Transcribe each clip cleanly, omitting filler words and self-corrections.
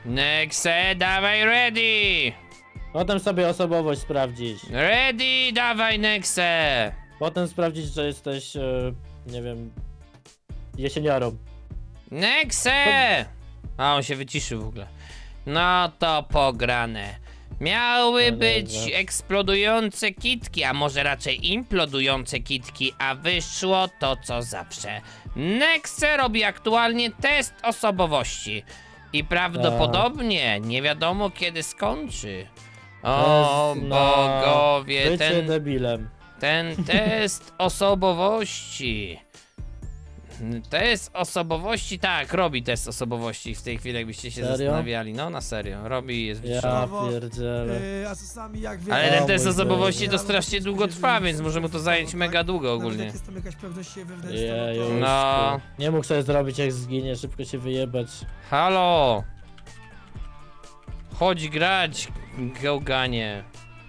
Nexe, dawaj ready! Potem sobie osobowość sprawdzić. Ready, dawaj Nexe! Potem sprawdzić, że jesteś, nie wiem, jesieniarą. Nexe! A on się wyciszył w ogóle. No to pograne. Miały No być dobrze. eksplodujące kitki, a może raczej implodujące kitki, a wyszło to co zawsze. Nexe robi aktualnie test osobowości. I prawdopodobnie nie wiadomo kiedy skończy. O Test na bogowie, Bycie debilem. ten test osobowości. Test osobowości, tak, robi test osobowości w tej chwili, jakbyście się Serio? zastanawiali. No, na serio, robi i jest Ja wytrzymany. pierdzielę. A czasami jak wiesz... Ale ten O test mój osobowości Boże. to strasznie długo trwa, więc może mu to zająć mega długo Nawet ogólnie. jak jest tam jakaś pewność siebie wewnętrzna, Jeju. No. Nie mógł sobie zrobić jak zginie, szybko się wyjebać. Halo! Chodź grać, gałganie.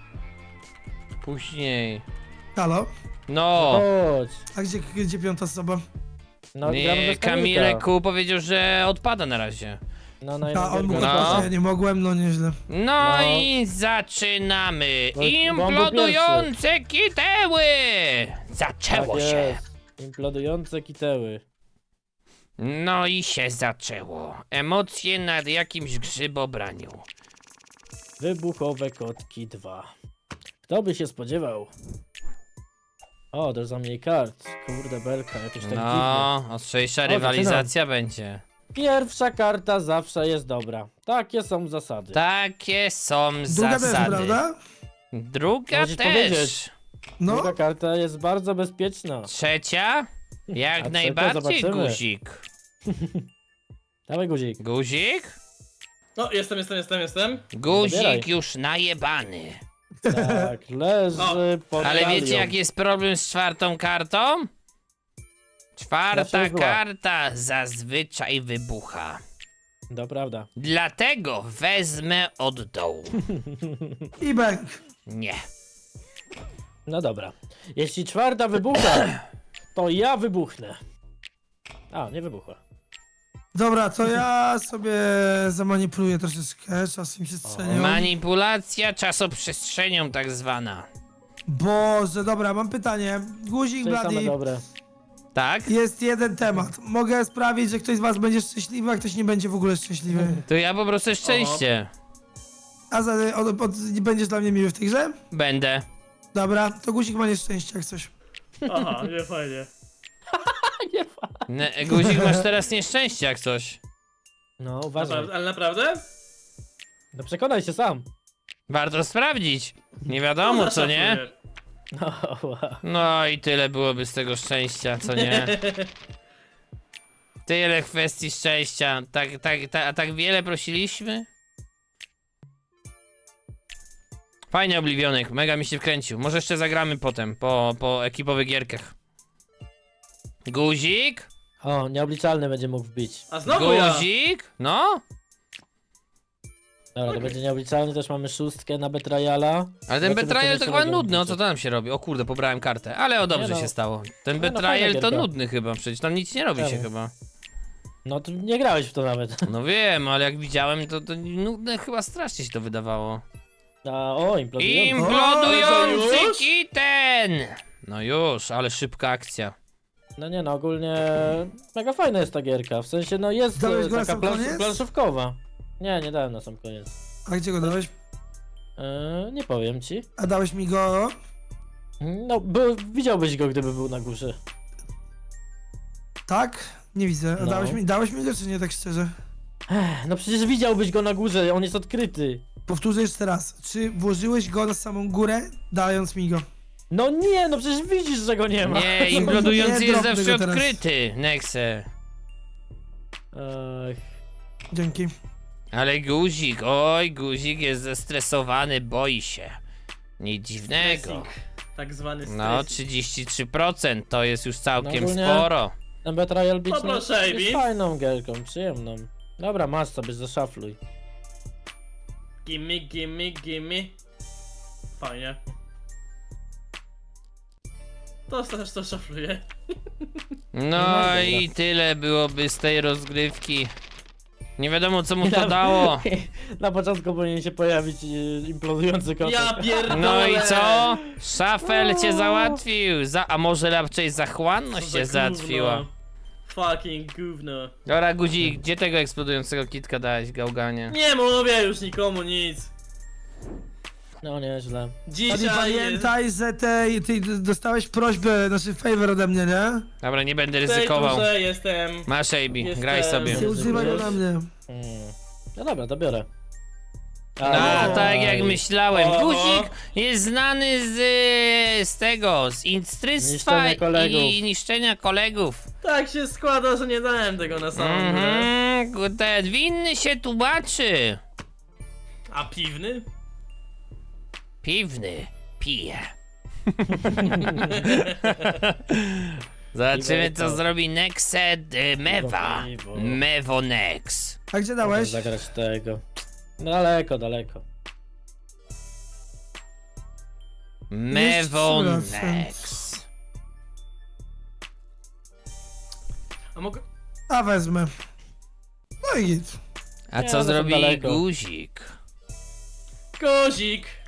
Później. Halo? No! Chodź. A gdzie piąta osoba? No, gramy Nie, bez Kamilka. Kamilku powiedział, że odpada na razie. No, no, A on mógł No. odpocząć, ja nie mogłem, no nieźle. No, No. i zaczynamy! Bo on był Implodujące kiteły! Zaczęło Tak się! jest. Implodujące kiteły. No i się zaczęło. Emocje nad jakimś grzybobraniu. Wybuchowe kotki 2. Kto by się spodziewał? O, to za mniej kart. Kurde belka, jakoś tak dziwnie. No, ostrzejsza O, rywalizacja będzie. Pierwsza karta zawsze jest dobra. Takie są zasady. Takie są Druga też, zasady. prawda? Druga Musisz też. powiedzieć. No, Druga karta jest bardzo bezpieczna. Trzecia? Jak A najbardziej, zobaczymy. guzik. Dawaj guzik. Guzik? No, jestem. Guzik Zabieraj. już najebany. Tak, leży pod Ale talią. wiecie jaki jest problem z czwartą kartą? Zawsze Czwarta jest zła. karta zazwyczaj wybucha. To prawda. Dlatego wezmę od dołu. i bęk. Nie. No dobra. Jeśli czwarta wybucha, to ja wybuchnę. A, nie wybuchła. Dobra, to ja sobie zamanipuluję troszeczkę, czasem się strzelią. Manipulacja czasoprzestrzenią tak zwana. Boże, dobra, mam pytanie. Guzik, To jest same Blady, dobre. Tak? jest jeden temat. Mogę sprawić, że ktoś z was będzie szczęśliwy, a ktoś nie będzie w ogóle szczęśliwy. To ja po prostu szczęście. A będziesz dla mnie miły w tej grze? Będę. Dobra, to guzik ma nieszczęście jak coś. Aha, nie fajnie. Guzik, masz teraz nieszczęście jak coś. No, uważaj. Naprawdę, ale naprawdę? No przekonaj się sam. Warto sprawdzić. Nie wiadomo co nie? No, wow. No i tyle byłoby z tego szczęścia, co nie? Tyle kwestii szczęścia. Tak wiele prosiliśmy? Fajnie Obliwionek, mega mi się wkręcił. Może jeszcze zagramy potem, po ekipowych gierkach. Guzik? O, nieobliczalny będzie mógł wbić. A znowu ja! Guzik? No? Dobra, to będzie nieobliczalny, też mamy szóstkę na Betrayala. Ale ten Zobaczymy, Betrayal co to jeszcze chyba mogą nudny, o co wbić. tam się robi? O kurde, pobrałem kartę, ale o dobrze Nie no. się stało. Ten no, Betrayal fajna to gierka. nudny chyba, przecież tam nic nie robi się Czemu? chyba. No, ty nie grałeś w to nawet. No wiem, ale jak widziałem, to nudne chyba strasznie się to wydawało. A, o, implodujący. Implodujący O, już? kitten! No już, ale szybka akcja. No nie no, ogólnie mega fajna jest ta gierka. W sensie, no jest Dałeś go na taka sam koniec? planszówkowa. Nie dałem na sam koniec. A gdzie go dałeś? Nie powiem ci. A dałeś mi go... No, widziałbyś go, gdyby był na górze. Tak? Nie widzę. A No. dałeś mi go czy nie, tak szczerze? No przecież widziałbyś go na górze, on jest odkryty. Powtórzę jeszcze raz. Czy włożyłeś go na samą górę, dając mi go? No nie, no przecież widzisz, że go nie ma. Nie, implodujący Nie jest drobny zawsze go teraz. odkryty, Nexe. Ech, Dzięki. Ale guzik, oj, guzik jest zestresowany, boi się. Nic dziwnego. Stressing. Tak zwany No, stressing. 33% to jest już całkiem No ogólnie- sporo. ten Betrayal Beach no, Poproszę, jest Amy. fajną gierką, przyjemną. Dobra, masz sobie, zaszafluj. Gimme. Fajnie. To też to szafluję. No dobra. i tyle byłoby z tej rozgrywki. Nie wiadomo co mu to dało. Na początku powinien się pojawić implodujący kotek. Ja pierdolę! No i co? Szafel cię załatwił. A może raczej zachłanność Co za cię załatwiła. gówno. Fucking gówno. Dobra, Guzik, gdzie tego eksplodującego kitka dałeś, gałganie? Nie mówię już nikomu nic. No nieźle. A nie Dzisiaj jest... pamiętaj, że ty dostałeś prośbę, znaczy favor ode mnie, nie? Dobra, nie będę w tej ryzykował. turze jestem... Masz AB, Jestem- graj sobie. Nie używaj go na mnie. No dobra, to biorę. A, tak jak myślałem. Oho. Guzik jest znany z tego, z instrystwa Niszczenia kolegów. i niszczenia kolegów. Tak się składa, że nie dałem tego na samą górę. Ten winny się tłumaczy. A piwny? Piwny pije. Zobaczymy co zrobi Nexed Mewa. Piwo. Mewo Nex. A gdzie dałeś? Zagrać tego. Daleko, daleko. Mewo Jeszcze raz. Nex. A mogę... A wezmę. No i git. A Nie, co one są zrobi daleko. Guzik? Kozik!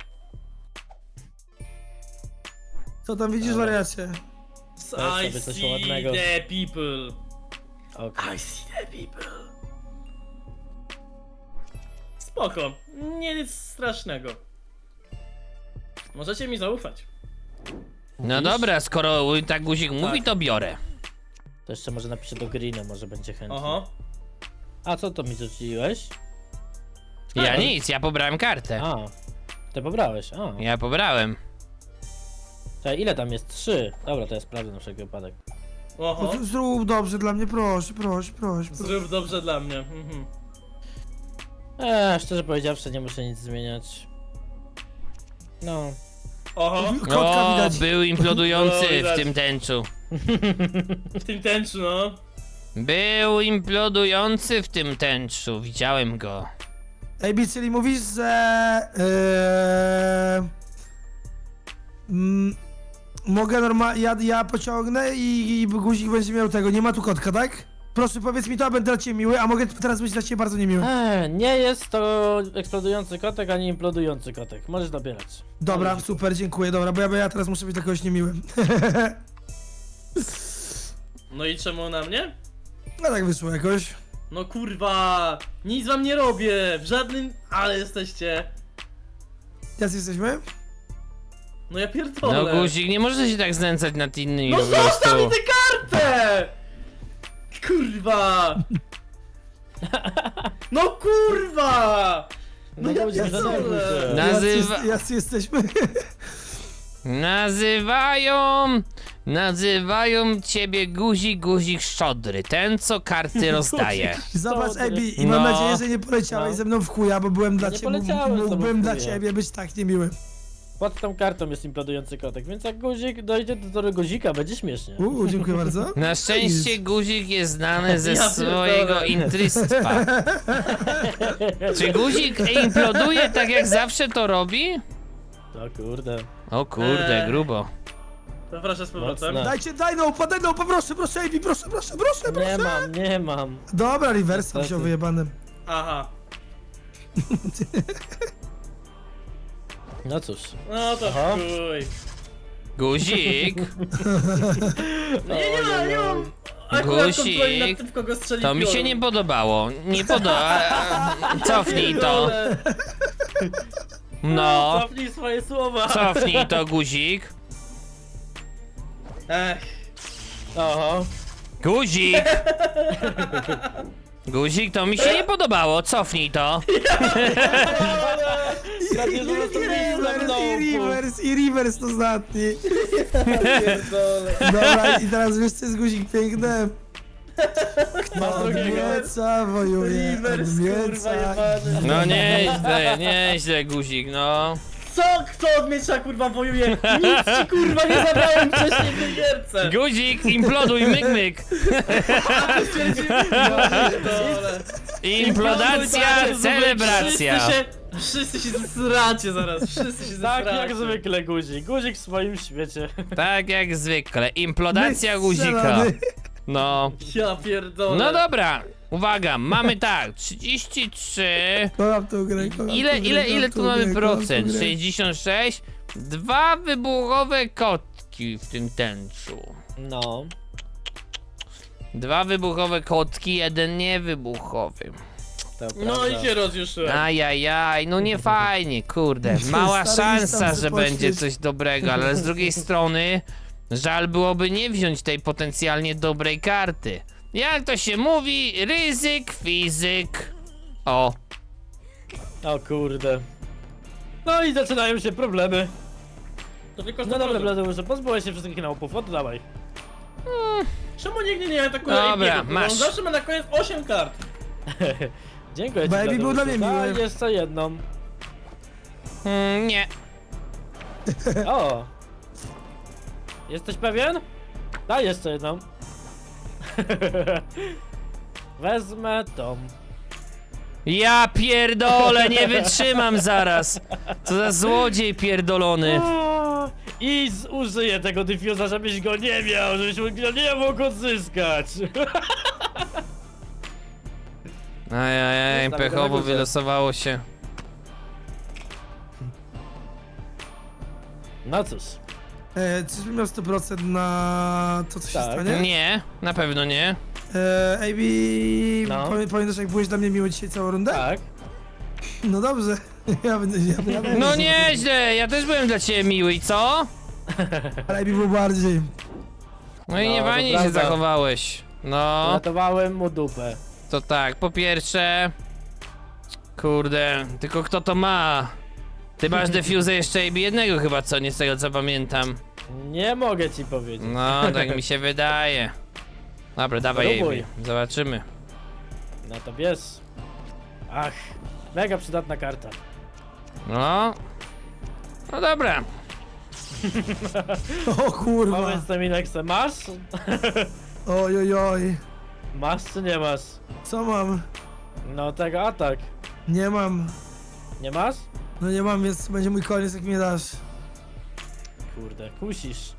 Co tam widzisz, Dobra. wariacie? Weź I sobie coś see ładnego. the people. Okay. I see the people. Spoko. Nie nic strasznego. Możecie mi zaufać. No dobra, skoro tak Guzik mówi, to biorę. To jeszcze może napiszę do Greena, może będzie chętny. Oho. A co to mi rzuciłeś? Ja nic, ja pobrałem kartę. A, ty pobrałeś, a. Ja pobrałem. Czekaj, ile tam jest? 3. Dobra, to ja sprawdzę na wszelki wypadek. Oho. Zrób dobrze dla mnie, proszę, proszę, proszę. Zrób dobrze dla mnie. Mhm. Szczerze powiedziawszy, nie muszę nic zmieniać. No. Oho. Kotka O, widać. był implodujący No, w widać. tym tęczu. W tym tęczu, no. Był implodujący w tym tęczu, widziałem go. AB, czyli mówisz, że... mogę normalnie... Ja pociągnę i guzik będzie miał tego. Nie ma tu kotka, tak? Proszę, powiedz mi to, a będę dla ciebie miły, a mogę teraz być dla ciebie bardzo niemiły. Nie jest to eksplodujący kotek, ani implodujący kotek. Możesz dobierać. Dobra, super, dziękuję, dobra, bo ja teraz muszę być dla kogoś niemiłym. No i czemu na mnie? No tak wyszło jakoś. No kurwa. Nic wam nie robię. W żadnym... Ale jesteście. Jacy jesteśmy? No ja pierdolę. No Guzik, nie może się tak znęcać nad innymi No po zostaw mi prostu. tę kartę! Kurwa! No kurwa! No ja guzik, zadenerwuj pierdolę! się. Nazywa... Jacy jesteśmy? Nazywają ciebie Guzik Szczodry, ten co karty rozdaje. Zobacz, Dobry. Ebi, i mam No. nadzieję, że nie poleciałeś No. ze mną w chuja, bo byłem dla nie ciebie, poleciałem z tobą mógłbym w dla chuja. ciebie być tak niemiły. Pod tą kartą jest implodujący kotek, więc jak guzik dojdzie do toru guzika, będzie śmiesznie. Dziękuję bardzo. Na szczęście Guzik jest znany ze Ja swojego pierdolę. intrystwa. Czy Guzik imploduje tak jak zawsze to robi? O kurde. O kurde, grubo. To proszę z powrotem. Mocne. Daj no, proszę, Ebi, proszę. Nie mam. Dobra, reverse Niestety. wziął wyjebanym. Aha. No cóż. No to Aha. chuj. Guzik, No nie mam. Akurat kontroli nad tym, w kogo strzeli to mi się piorun. nie podobało. Nie podoba. Cofnij to. Pierdolę. No, Cofnij swoje słowa. cofnij to, Guzik. Ech. Oho. Guzik! Guzik, to mi się nie podobało, cofnij to. I reverse to ostatni. Pierdolę. Dobra, i teraz wiesz co jest guzik piękny? Masz drugiego. Odmieca wojuje, Reverse, kurwa, odmieca. jebany. No nieźle, Guzik, no. Co? Kto od miecza kurwa wojuje? Nic ci kurwa nie zabrałem wcześniej w tej gierce. Guzik, imploduj, myk. Pierdolę. Implodacja, celebracja. Wszyscy się zsracie zaraz, wszyscy się Tak zsracie. jak zwykle guzik. Guzik w swoim świecie. Tak jak zwykle, implodacja My Guzika. strzelamy. No. Ja pierdolę. No dobra, Uwaga, mamy tak, 33. Kocham tą grę, kocham Ile, tą grę, ile, kocham ile tą tu mamy grę, kocham tą procent? grę. 66. 2 wybuchowe kotki w tym tęczu. No. 2 wybuchowe kotki, 1 niewybuchowy. To No prawda. i się rozjuszyłem. Ajajaj, no nie fajnie, kurde. Mała Stary, szansa, tam że się będzie poświeć. coś dobrego, ale z drugiej strony żal byłoby nie wziąć tej potencjalnie dobrej karty. Jak to się mówi, ryzyk, fizyk. O, O kurde. No i zaczynają się problemy. To tylko No dobra, Bladeuszu, pozbyłeś się wszystkich naupów, oddawaj. Czemu nigdy nie atakuje Dobra, Abiego? masz. On zawsze ma na koniec 8 kart. Dziękuję ci, Baby był dla Bladeuszu. mnie miły. Daj jeszcze jedną. nie. O! Jesteś pewien? Daj jeszcze jedną. Wezmę tą. Ja pierdolę, nie wytrzymam zaraz. Co za złodziej pierdolony. O, I użyję tego diffusa, żebyś go nie miał, żebyś go nie mógł odzyskać. Ajajaj, Jest tam pechowo daleko, że- wylosowało się. No cóż. Czyżbym miał 100% na to, co się Tak. stanie? Nie, na pewno nie. AB, No. pamiętasz jak byłeś dla mnie miły dzisiaj całą rundę? Tak. No dobrze, ja będę... No nieźle, ja też byłem dla ciebie miły i co? Ale AB był bardziej. No i No, nie to fajnie się prawda. zachowałeś. No, Ratowałem mu dupę. to tak, po pierwsze... Kurde, tylko kto to ma? Ty masz defuzę jeszcze AB jednego chyba, co? Nie z tego co pamiętam. Nie mogę ci powiedzieć. No, tak mi się wydaje. Dobra, dawaj Próbuj. AB, zobaczymy. No to bierz. Ach, mega przydatna karta. No. No dobra. O kurwa. Powiedz mi, Nexe, masz? Oj, oj, oj. Masz czy nie masz? Co mam? No tego atak. Nie mam. Nie masz? No nie mam, więc będzie mój koniec jak mnie dasz. Kurde, kusisz.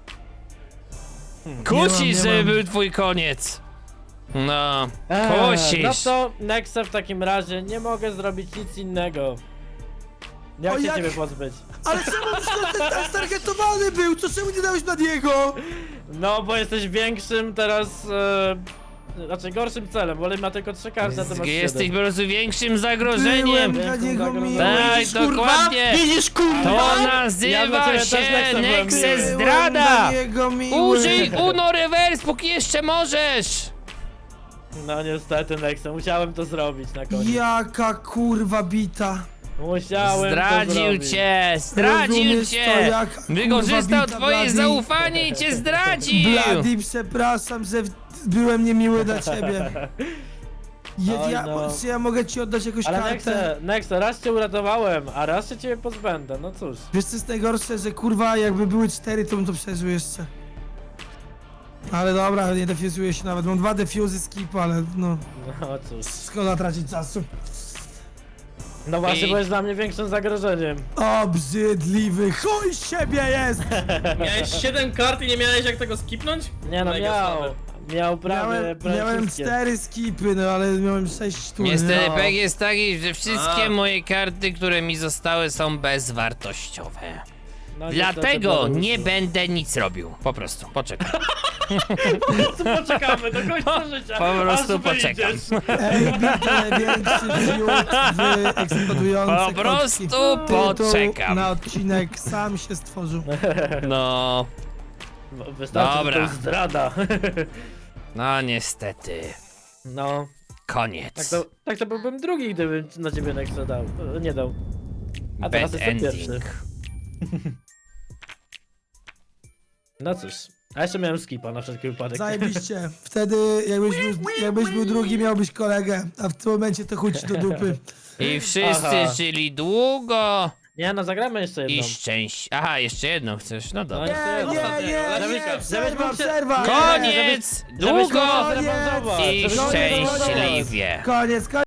Kusisz, nie żeby mam. był twój koniec. No, No kusisz. to Nexe w takim razie nie mogę zrobić nic innego. Jak O, się jak? ciebie pozbyć? Ale czemu ten stargetowany był? To czemu nie dałeś na niego? No bo jesteś większym teraz, znaczy gorszym celem, bo ma tylko 3 karty, a ty masz Jesteś 7. po prostu większym zagrożeniem. Byłem dla niego Zagrożenie. miły. Tak, Widzisz, kurwa? dokładnie. Widzisz, kurwa? To Ja dla nazywa ciebie też się Nexe byłem Nexe miły. Byłem Zdrada. dla niego miły. Użyj Uno Reverse, póki jeszcze możesz. No niestety Nexe, musiałem to zrobić na koniec. Jaka kurwa bita. Musiałem to Zdradził zrobić. cię, zdradził Rozumiesz to, cię. jaka Wykorzystał kurwa twoje bita, zaufanie i cię zdradził. Blady, przepraszam, że byłem niemiły dla ciebie. Oj, Ja, no. czy ja mogę ci oddać jakąś Ale kartę? Nexe, raz cię uratowałem, a raz się ciebie pozbędę, no cóż. Wiesz co jest najgorsze, że kurwa jakby były 4, to bym to przeżył jeszcze. Ale dobra, nie defuzuję się nawet. Mam 2 defuzy skip, ale no, No cóż. szkoda tracić czasu. No właśnie, I- bo jest dla mnie większym zagrożeniem. Obrzydliwy, chuj z siebie jest! Miałeś 7 kart i nie miałeś jak tego skipnąć? Nie no, Mega miał. słabe. Miał prawie Miałem wszystkie. 4 skipy, no ale miałem 6 tur. Niestety No. peg jest taki, że wszystkie A. moje karty, które mi zostały, są bezwartościowe. No, Dlatego niestety, nie Bladeuszu. będę nic robił. Po prostu, poczekaj. Poczekamy do końca życia. Po prostu aż poczekam. wyjdziesz. Ej, to największy fiut w eksplodujące Po prostu kotki. poczekam. Tytuł na odcinek sam się stworzył. No, Wystarczy, Dobra. że to jest zdrada. no niestety. No, Koniec. tak to byłbym drugi, gdybym na ciebie Nexe dał. Nie dał. A teraz Bad jestem pierwszy. ending. No cóż. A jeszcze miałem skipa na wszelki wypadek. Zajebiście. Wtedy jakbyś był drugi, miałbyś kolegę, a w tym momencie to chuć do dupy. I wszyscy Aha. żyli długo Nie no, zagramy jeszcze jedną. i szczęść. Aha, jeszcze jedną chcesz, no dobra. No, Nie, jeszcze nie, jedną. nie, nie, Żebyś przerwa, mógł się- przerwa. Nie, Koniec! żebyś mógł Długo się zrewanżować, i żebyś mógł się zrewanżować. szczęśliwie. Koniec, koniec.